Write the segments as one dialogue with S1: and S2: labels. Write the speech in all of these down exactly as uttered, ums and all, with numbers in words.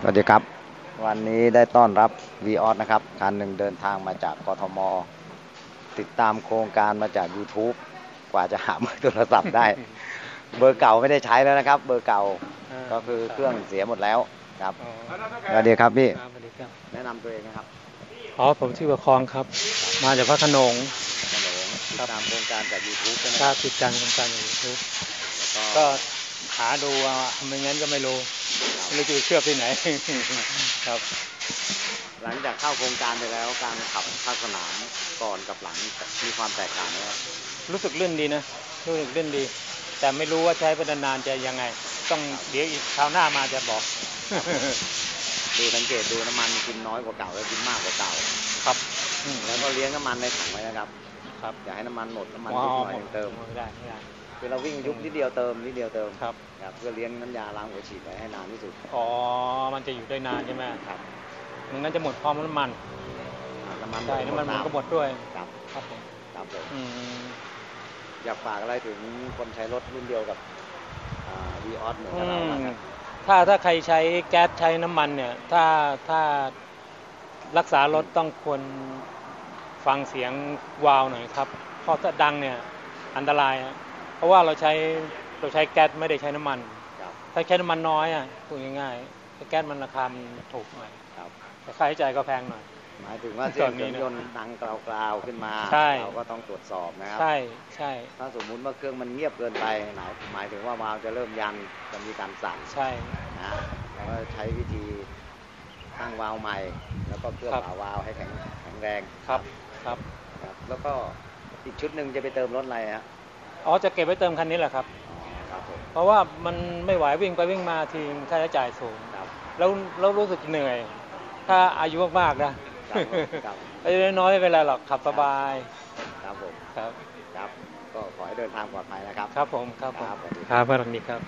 S1: วัสดีครับวันนี้ได้ต้อนรับ วี ออส นะครับคันหนึ่งเดินทางมาจากกทม.ติดตามโครงการมาจาก ยูทูบ กว่าจะหาเบอร์โทรศัพท์ได้ เบอร์เก่าไม่ได้ใช้แล้วนะครับเบอร์เก่าก็คือเครื่องเสียหมดแล้วครับสวัสดีครับพี่แนะนำตัวเองนะครับ
S2: อ๋อผมชื่อประคองครับมาจากพระโขนง
S1: ขนงติดตามโครงการจาก ยูทูบ ใช่ไหม
S2: ครับติดตามโครงการจาก ยูทูบ ก็หาดูว่าไม่งั้นก็ไม่รู้ไม่รู้จะเชื่อที่ไหนครับ
S1: หลังจากเข้าโครงการไปแล้วการขับภาคสนามก่อนกับหลังมีความแตกต่างไหมครับ
S2: รู้สึกลื่นดีนะรู้สึกลื่นดีแต่ไม่รู้ว่าใช้ไปนานๆจะยังไงต้องเดี๋ยวอีกคราวหน้ามาจะบอก
S1: ดูสังเกตดูน้ำมันกินน้อยกว่าเก่าแล้วกินมากกว่าเก่า
S2: ครับ
S1: แล้วก็เลี้ยงน้ำมันในถังไว้นะครับครับอย่าให้น้ำมันหมดน้ำมันยุบหน่อยเติม
S2: ไม่ได้ไม่ได้
S1: คือเราวิ่งยุบนิดเดียวเติมนิดเดียวเติม
S2: ครับ
S1: เพื่อเลี้ยงน้ำยาล้างหัวฉีดไว้ให้นานที่สุด
S2: อ๋อมันจะอยู่ได้นานใช่ไหมครับมันงั้นจะหมดพร้อมน้ำมัน
S1: น้ำมัน
S2: ใช่น้ำมันมันก็หมดด้วย
S1: ครับครับผมครับผมอยากฝากอะไรถึงคนใช้รถรุ่นเดียวกับ วี ออส เหมือนกับเราครับ
S2: ถ้าถ้าใครใช้แก๊สใช้น้ำมันเนี่ยถ้าถ้ารักษารถต้องควรฟังเสียงวาล์วหน่อยครับเพราะถ้าดังเนี่ยอันตรายเพราะว่าเราใช้เราใช้แก๊สไม่ได้ใช้น้ำมันถ้าใช้น้ำมันน้อยอ่ะพูดง่ายๆแก๊สมันราคาถูกหน่อยแต่ค่าใช้จ่ายก็แพงหน่อย
S1: หมายถึงว่าเสียงเครื่องยนต์ดังกราวๆขึ้นมาเราก็ต้องตรวจสอบนะครับ
S2: ใช่ใช่
S1: ถ้าสมมุติว่าเครื่องมันเงียบเกินไปหมายถึงว่าวาล์วจะเริ่มยันจะมีการสั่น
S2: ใช่
S1: นะเราก็ใช้วิธีตั้งวาล์วใหม่แล้วก็เคลือบฝาวาล์วให้แข็งแข็งแรง
S2: ครับครับ
S1: แล้วก็อีกชุดหนึ่งจะไปเติมรถอะไรฮะ
S2: อ๋อจะเก็บไว้เติมคันนี้แหละครับเพราะว่ามันไม่ไหววิ่งไปวิ่งมาทีค่าใช้จ่ายสูงแล้วแล้วรู้สึกเหนื่อยถ้าอายุมากๆนะอายุน้อยไม่เป็นไรหรอกขับสบาย
S1: ครับผม
S2: ครับ
S1: ครับก็ขอให้เดินทางปลอดภัยนะครับ
S2: ครับผมครับผมครับสวัสดีครับ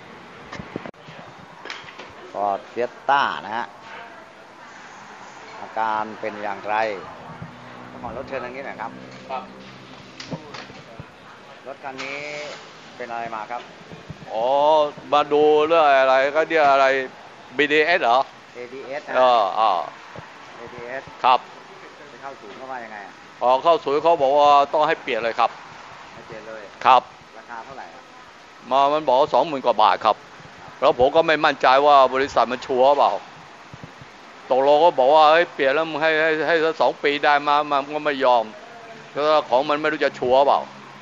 S1: ฟอร์ด ฟิสต้านะฮะอาการเป็นอย่างไรขอรถเชิญทางนี้หน่อยครับครับรถคันนี้เป็นอะไรมาครับ
S3: อ๋อมาดูเรื่องอะไรก็เรียกอะไร บี ดี เอส เหรอ
S1: เอ ดี เอส
S3: เอออ่า
S1: เอ ดี เอส
S3: ครับ
S1: ไปเข้าศูนย์เขาว่ายังไง
S3: อ๋อเข้าศูนย์เขาบอกว่าต้องให้เปลี่ยนเลยครับ
S1: ให้เปลี่ยนเลย
S3: ครับ
S1: ราคาเท่าไหร่
S3: มามันบอกสองหมื่นกว่าบาทครับแล้วผมก็ไม่มั่นใจว่าบริษัทมันชัวร์เปล่าตกลงก็บอกว่าให้เปลี่ยนแล้วมึงให้ให้ให้สักสองปีได้มามันก็ไม่ยอมแล้วของมันไม่รู้จะชัวร์เปล่า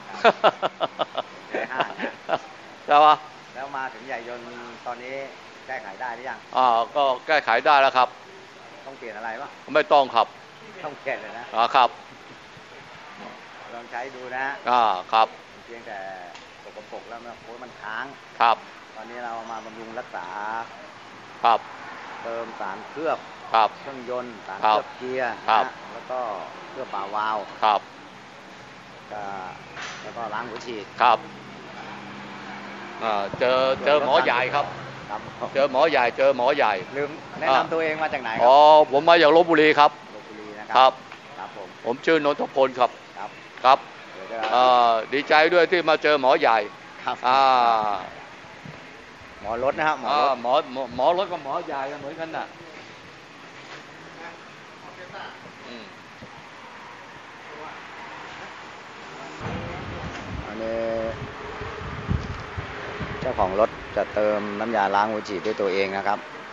S3: ใช่ปะ
S1: แล้วมาถึงใหญ่ยนต์ตอนนี้แก้ไขได้หรือยัง
S3: อ่าก็แก้ไขได้แล้วครับ
S1: ต้องเปลี่ยนอะไรปะ
S3: ไม่ต้องครับ
S1: ต้องเปลี่ยนเลยนะ
S3: อ่าครับ
S1: ลองใช้ดูนะ
S3: อ่าครับ
S1: เพียงแต่สกปรกแล้วนะโอ้มันค้าง
S3: ครับ
S1: ตอนนี้เรามาบำรุงรักษา
S3: ครับ
S1: เติมสารเคลือบ
S3: ครับ
S1: เครื่องยนต์สารเคลือบเกียร์นะแล้วก็เคลือบฝาวาล์ว
S3: ครับ
S1: แล้วก็ล้างหัวฉีด
S3: ครับเจอเจอหมอใหญ่ครับเจอหมอใหญ่เจอหมอใหญ่
S1: ลืมแนะนำตัวเองมาจากไหน
S3: อ๋อผมมาจากลพบุรีครับ
S1: ลพบุรีนะครับครับผม
S3: ผมชื่อนนทพลครับ
S1: ครับ
S3: ครับดีใจด้วยที่มาเจอหมอใหญ่
S1: ครับหมอรถนะครับหมอ
S3: หมอหมอรถกับหมอใหญ่เหมือนกันน่ะ
S1: อันนี้เจ้าของรถจะเติมน้ำยาล้างหัวฉีดด้วยตัวเองนะครับ